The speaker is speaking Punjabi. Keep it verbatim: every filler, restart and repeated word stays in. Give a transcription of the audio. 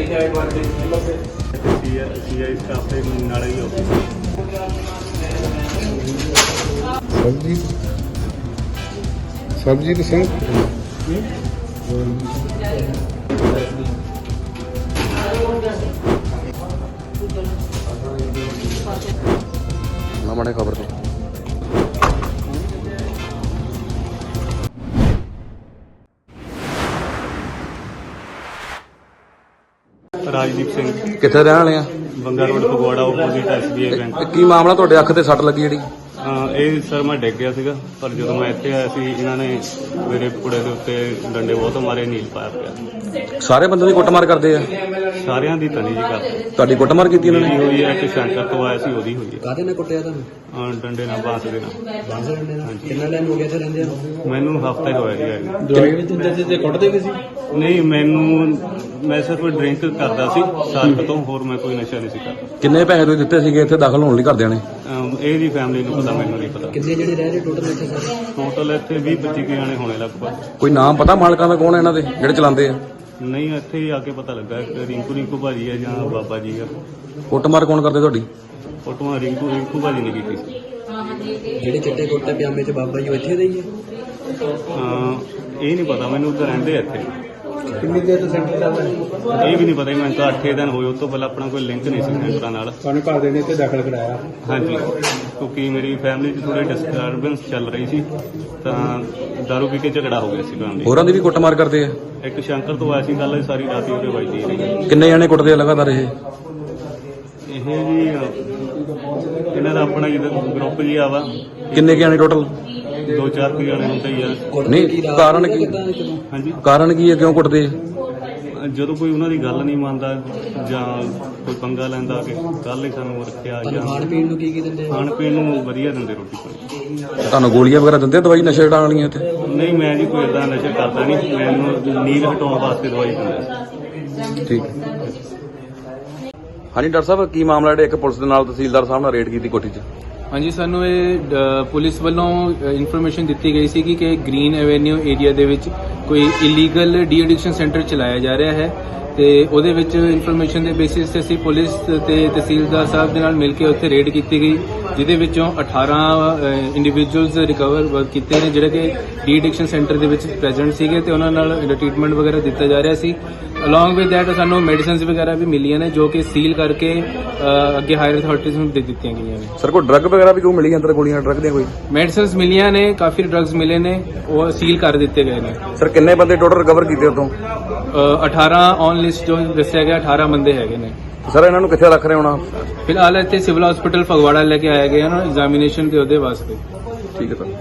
सीआई स्टाफ ਦੇ ਨਾਲ ਹੀ ਆਫਿਸ ਸਬਜੀ ਸਬਜੀ ਦੀ ਸਿੰਘ ਨਾ ਮਾੜੇ ਖਬਰ ਤੋਂ ਰਾਜਦੀਪ ਸਿੰਘ ਕਿੱਥੇ ਰਹਿਣ ਵਾਲੇ ਆ? Banga road Phagwara opposite SBI bank. ਕੀ ਮਾਮਲਾ ਤੁਹਾਡੇ ਅੱਖ ਤੇ ਸੱਟ ਲੱਗੀ ਜਿਹੜੀ? ਇਹ ਸਰ ਮੈਂ ਡਿੱਗ ਗਿਆ ਸੀਗਾ, ਪਰ ਜਦੋਂ ਮੈਂ ਇੱਥੇ ਆਇਆ ਸੀ ਇਹਨਾਂ ਨੇ ਮੇਰੇ ਕੁੜੇ ਦੇ ਉੱਤੇ ਡੰਡੇ ਬਹੁਤ ਮਾਰੇ, ਨੀਲ ਪਾਇਆ ਪਿਆ। ਸਾਰੇ ਬੰਦੇ ਦੀ ਕੁੱਟਮਾਰ ਕਰਦੇ ਆ? ਸਾਰਿਆਂ ਦੀ ਤਨੀ ਜੀ ਕਰ ਤੁਹਾਡੀ ਕੁੱਟਮਾਰ ਕੀਤੀ ਇਹਨਾਂ ਮੇਰੀ ਨੇ? ਹੋਈ ਹੈ, ਇੱਕ ਸੈਂਟਰ ਤੋਂ ਆਇਆ ਸੀ ਉਹਦੀ ਹੋਈ ਹੈ। ਕਾਹਦੇ ਨਾਲ ਕੁੱਟਿਆ ਤੁਹਾਨੂੰ? ਅਹ ਡੰਡੇ ਨਾਲ, ਬਾਂਸ ਦੇ ਨਾਲ। ਬਾਂਸ ਦੇ ਡੰਡੇ ਨਾਲ? ਕਿੰਨਾ ਟਾਈਮ ਹੋ ਗਿਆ ਇੱਥੇ ਰਹਿੰਦੇ ਨੂੰ? ਮੈਨੂੰ ਹਫ਼ਤਾ ਹੀ ਹੋਇਆ ਜੀ ਆਏ ਨੂੰ। ਦਵਾਈ ਵੀ ਦਿੰਦੇ ਸੀ ਤੇ ਕੁੱਟਦੇ ਵੀ ਸੀ? ਨਹੀਂ, ਮੈਨੂੰ ਮੈਂ ਸਿਰਫ ਡਰਿੰਕ ਕਰਦਾ ਸੀ ਸਾਲ ਤੋਂ, ਹੋਰ ਮੈਂ ਕੋਈ ਨਸ਼ਾ ਨਹੀਂ ਸੀ ਕਰਦਾ। ਕਿੰਨੇ ਪੈਸੇ ਤੁਸੀਂ ਦਿੱਤੇ ਸੀਗੇ ਇੱਥੇ ਦਾਖਲ ਹੋਣ ਲਈ ਘਰਦਿਆਂ ਨੇ? ਅਮ ਇਹਦੀ ਫੈਮਿਲੀ ਨੂੰ ਪਤਾ, ਮੈਨੂੰ ਨਹੀਂ ਪਤਾ। ਕਿੰਨੇ ਜਿਹੜੇ ਰਹਿ ਰਹੇ ਟੋਟਲ ਇੱਥੇ ਸਾਰੇ? ਟੋਟਲ ਇੱਥੇ ਵੀਹ ਪੱਚੀ ਕੁ ਜਾਣੇ ਹੋਣੇ ਲਗਭਗ। ਕੋਈ ਨਾਮ ਪਤਾ ਮਾਲਕਾਂ ਦਾ ਕੌਣ ਹੈ ਇਹਨਾਂ ਦੇ ਜਿਹੜੇ ਚਲਾਉਂਦੇ ਆ? ਨਹੀਂ, ਇੱਥੇ ਹੀ ਆ ਕੇ ਪਤਾ ਲੱਗਾ ਇੱਕ ਰਿੰਕੂ ਰਿੰਕੂ ਭਾਜੀ ਹੈ ਜਾਂ ਬਾਬਾ ਜੀ ਆ। ਕੁੱਟਮਾਰ ਕੌਣ ਕਰਦੇ ਤੁਹਾਡੀ? ਫੋਟੋਆਂ ਰਿੰਕੂ ਰਿੰਕੂ ਭਾਜੀ ਨੇ ਕੀਤੀ ਸੀ। ਜਿਹੜੇ ਚਿੱਟੇ ਕੁੜਤੇ ਪਜਾਮੇ ਚ ਬਾਬਾ ਜੀ ਉਹ ਇੱਥੇ ਦੇ ਹੀ ਆ? ਅਮ ਇਹ ਨਹੀਂ ਪਤਾ ਮੈਨੂੰ, ਉੱਧਰ ਰਹਿੰਦੇ ਆ ਇੱਥੇ। ਕਿੰਨੀ ਦੇਰ ਤੋਂ ਸੈਂਟਰ ਚੱਲਦਾ ਹੈ? ਇਹ ਵੀ ਨਹੀਂ ਪਤਾ, ਮੈਨੂੰ ਤਾਂ ਅੱਠੇ ਦਿਨ ਹੋਏ। ਉਸ ਤੋਂ ਪਹਿਲਾਂ ਆਪਣਾ ਕੋਈ ਲਿੰਕ ਨਹੀਂ ਸੀ ਸੈਂਟਰਾਂ ਨਾਲ। ਤੁਹਾਨੂੰ ਘਰ ਦੇ ਨੇ ਇੱਥੇ ਦਾਖਲ ਕਰਾਇਆ? ਹਾਂਜੀ, ਕਿਉਂਕਿ ਮੇਰੀ ਫੈਮਿਲੀ 'ਚ ਥੋੜੀ ਡਿਸਟਰਬੈਂਸ ਚੱਲ ਰਹੀ ਸੀ, ਤਾਂ ਦਾਰੂ ਪੀ ਕੇ ਝਗੜਾ ਹੋ ਗਿਆ ਸੀ ਫੈਮਿਲੀ। ਹੋਰਾਂ ਦੀ ਵੀ ਕੁੱਟਮਾਰ ਕਰਦੇ ਆ? ਇੱਕ ਸ਼ੰਕਰ ਤੋਂ ਆਇਆ ਸੀ, ਗੱਲ ਸਾਰੀ ਰਾਤ ਹੀ ਉਹਦੇ ਵੱਜਦੀ ਰਹੀ। ਕਿੰਨੇ ਜਾਣੇ ਕੁੱਟਦੇ ਆ ਲਗਾਤਾਰ ਇਹ? ਇਹ ਜੀ ਇਹਨਾਂ ਦਾ ਆਪਣਾ ਜਿਹਦਾ ਗਰੁੱਪ ਜੀ ਆਵਾ, ਕਿੰਨੇ ਕੁ ਜਾਣੇ ਟੋਟਲ? ਦੋ ਚਾਰ ਕੁ ਜਾਣੇ ਹੁੰਦੇ ਹੀ ਆ। ਨਹੀਂ, ਕਾਰਨ ਕੀ? ਹਾਂਜੀ, ਕਾਰਨ ਕੀ ਹੈ, ਕਿਉਂ ਕੁੱਟਦੇ ਆ? ਜਦੋਂ ਕੋਈ ਉਹਨਾਂ ਦੀ ਗੱਲ ਨਹੀਂ ਮੰਨਦਾ ਜਾਂ ਕੋਈ ਪੰਗਾ ਲੈਂਦਾ ਕਿ ਕੱਲ ਹੀ ਸਾਨੂੰ ਰੱਖਿਆ, ਜਾਂ ਖਾਣ ਪੀਣ ਨੂੰ ਕੀ ਕੀ ਦਿੰਦੇ? ਖਾਣ ਪੀਣ ਨੂੰ ਵਧੀਆ ਦਿੰਦੇ, ਰੋਟੀ ਪਾਣੀ। ਤੁਹਾਨੂੰ ਗੋਲੀਆਂ ਵਗੈਰਾ ਦਿੰਦੇ ਆ, ਦਵਾਈ ਨਸ਼ੇ ਛਡਾਉਣ ਵਾਲੀਆਂ ਇੱਥੇ? ਨਹੀਂ, ਮੈਂ ਜੀ ਕੋਈ ਏਦਾਂ ਨਸ਼ਾ ਕਰਦਾ ਨਹੀਂ, ਮੈਨੂੰ ਨੀਂਦ ਹਟਾਉਣ ਵਾਸਤੇ ਦਵਾਈ ਦਿੰਦੇ। ਠੀਕ। ਹਾਂਜੀ ਡਾਕਟਰ ਸਾਹਿਬ, ਕੀ ਮਾਮਲਾ ਜਿਹੜਾ ਇੱਕ ਪੁਲਿਸ ਦੇ ਨਾਲ ਤਹਿਸੀਲਦਾਰ ਸਾਹਿਬ ਨਾਲ ਰੇਡ ਕੀਤੀ ਕੋਠੀ 'ਚ? ਹਾਂਜੀ, ਸਾਨੂੰ ਇਹ ਅ, ਪੁਲਿਸ ਵੱਲੋਂ ਇਨਫੋਰਮੇਸ਼ਨ ਦਿੱਤੀ ਗਈ ਸੀ ਕਿ ਗ੍ਰੀਨ ਐਵੇਨਿਊ ਏਰੀਆ ਦੇ ਵਿੱਚ ਕੋਈ ਇਲੀਗਲ ਡੀ ਐਡਿਕਸ਼ਨ ਸੈਂਟਰ ਚਲਾਇਆ ਜਾ ਰਿਹਾ ਹੈ, ਤੇ ਉਹਦੇ ਵਿੱਚ ਇਨਫੋਰਮੇਸ਼ਨ ਦੇ ਬੇਸਿਸ ਤੇ ਅਸੀਂ ਪੁਲਿਸ ਤੇ ਤਹਿਸੀਲਦਾਰ ਸਾਹਿਬ ਦੇ ਨਾਲ ਮਿਲ ਕੇ ਉੱਥੇ ਰੇਡ ਕੀਤੀ ਗਈ, ਜਿਹਦੇ ਵਿੱਚੋਂ ਅਠਾਰਾਂ ਇੰਡੀਵਿਜੂਅਲਸ ਰਿਕਵਰ ਕੀਤੇ ਨੇ ਜਿਹੜੇ ਕਿ ਡੀ ਐਡਿਕਸ਼ਨ ਸੈਂਟਰ ਦੇ ਵਿੱਚ ਪ੍ਰੈਜ਼ੈਂਟ ਸੀਗੇ, ਤੇ ਉਹਨਾਂ ਨਾਲ ਟ੍ਰੀਟਮੈਂਟ ਵਗੈਰਾ ਦਿੱਤਾ ਜਾ ਰਿਹਾ ਸੀ। ਅਲੋਂਗ ਵਿਦ ਦੈਟ ਸਾਨੂੰ ਮੈਡੀਸਿਨਸ ਵਗੈਰਾ ਵੀ ਮਿਲੀਆਂ ਨੇ, ਜੋ ਕਿ ਸੀਲ ਕਰਕੇ ਅ, ਅੱਗੇ ਹਾਇਰ ਅਥਾਰਟੀਜ਼ ਨੂੰ ਦੇ ਦਿੱਤੀਆਂ ਗਈਆਂ ਨੇ। ਸਰ, ਕੋਈ ਡਰੱਗ ਵਗੈਰਾ ਵੀ ਕੋਈ ਮਿਲੀ ਅੰਦਰ? ਗੋਲੀਆਂ ਡਰੱਗ ਦੀਆਂ ਕੋਈ? ਮੈਡੀਸਿਨਸ ਮਿਲੀਆਂ ਨੇ, ਕਾਫੀ ਡਰੱਗਸ ਮਿਲੇ ਨੇ, ਉਹ ਸੀਲ ਕਰ ਦਿੱਤੇ ਗਏ ਨੇ। ਸਰ, ਕਿੰਨੇ ਬੰਦੇ ਟੋਟਲ ਰਿਕਵਰ ਕੀਤੇ ਉਤੋਂ? ਅ, ਅਠਾਰਾਂ ਔਨ ਲਿਸਟ ਜੋ ਦੱਸਿਆ ਗਿਆ, ਅਠਾਰਾਂ ਬੰਦੇ ਹੈਗੇ ਨੇ। ਸਰ, ਇਹਨਾਂ ਨੂੰ ਕਿੱਥੇ ਰੱਖ ਰਹੇ ਹੋਣਾ? ਫਿਲਹਾਲ ਇੱਥੇ ਸਿਵਲ ਹਸਪੀਟਲ ਫਗਵਾੜਾ ਲੈ ਕੇ ਆਏ ਗਏ ਹਨ ਐਗਜ਼ਾਮੀਨੇਸ਼ਨ ਦੇ ਉਹਦੇ ਵਾਸਤੇ। ਠੀਕ ਹੈ ਸਰ।